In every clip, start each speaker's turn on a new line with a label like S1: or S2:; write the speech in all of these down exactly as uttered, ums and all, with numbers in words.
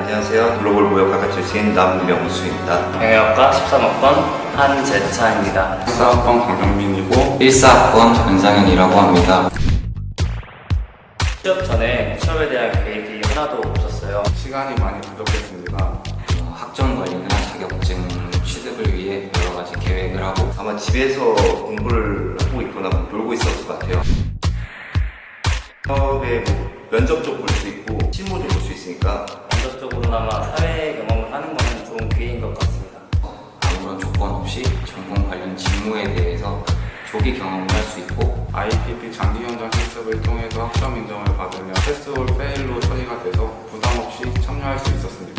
S1: 안녕하세요. 글로벌 무역학과 출신 남명수입니다.
S2: 경영학과 십삼 학번 한재차입니다.
S3: 십사 학번 강병민이고
S4: 일사 학번 전상현이라고 합니다.
S2: 취업 전에 취업에 대한 계획이 하나도 없었어요.
S3: 시간이 많이 부족했습니다.
S4: 어, 학점 관리나 자격증 취득을 위해 여러 가지 계획을 하고
S1: 아마 집에서 공부를 하고 있거나 뭐 놀고 있었을 것 같아요. 취업에 뭐 면접도 볼 수 있고 실무도 볼 수 있으니까
S2: 본격적으로나마 사회 경험을 하는 것은 좋은 기회인 것 같습니다.
S4: 어, 아무런 조건 없이 전공 관련 직무에 대해서 조기 경험을 할 수 있고
S3: 아이피피 장기 현장 실습을 통해서 학점 인정을 받으며 패스올 페일로 처리가 돼서 부담 없이 참여할 수 있었습니다.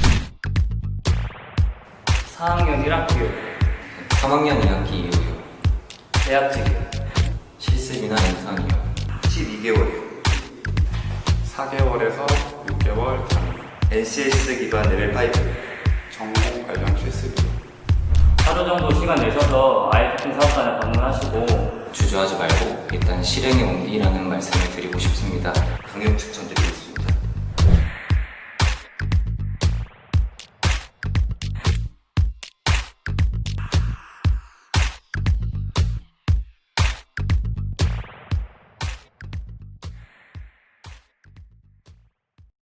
S2: 사 학년 일 학기
S4: 삼 학년 이 학기 이후요.
S2: 대학직이요.
S4: 실습이나 인턴이요.
S1: 십이 개월이요.
S3: 사 개월에서 육 개월 단위.
S1: 엔씨에스 기반 레벨 오.
S3: 전공 관련 실습이요.
S2: 하루 정도 시간 내셔서 아이피피 사업단에 방문하시고
S4: 주저하지 말고 일단 실행에 옮기라는 말씀을 드리고 싶습니다.
S1: 강력 추천드립니다.